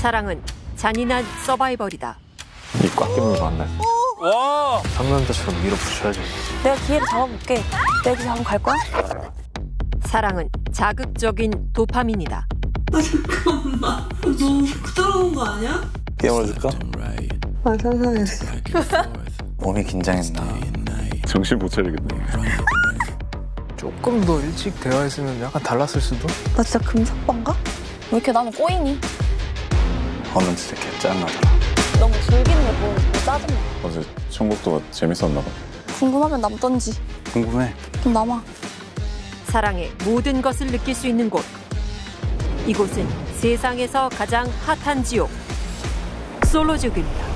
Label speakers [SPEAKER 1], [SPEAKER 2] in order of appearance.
[SPEAKER 1] 사랑은 잔인한 서바이벌이다.
[SPEAKER 2] 이 꽉 끼는 거 안 날.
[SPEAKER 3] 와.
[SPEAKER 2] 상남자처럼 밀어붙여야지.
[SPEAKER 4] 내가 기회를 잡아볼게. 내가 기 잡으면 갈 거야?
[SPEAKER 1] 사랑은 자극적인 도파민이다.
[SPEAKER 5] 잠깐만. 너무 부끄러운 거 아니야?
[SPEAKER 2] 깨물어줄까?
[SPEAKER 5] 아, 상상해.
[SPEAKER 2] 몸이 긴장했나. 정신 못 차리겠네.
[SPEAKER 6] 조금 더 일찍 대화했으면 약간 달랐을 수도?
[SPEAKER 4] 나 진짜 금사빠인가? 왜 이렇게 나는 꼬이니?
[SPEAKER 2] 오늘 진짜 개짱나더라.
[SPEAKER 4] 너무 즐기는 게 보고 짜증나.
[SPEAKER 2] 어제 청국도가 재밌었나 봐.
[SPEAKER 4] 궁금하면 남던지.
[SPEAKER 2] 궁금해.
[SPEAKER 4] 좀 남아.
[SPEAKER 1] 사랑의 모든 것을 느낄 수 있는 곳. 이곳은 세상에서 가장 핫한 지옥. 솔로지옥입니다.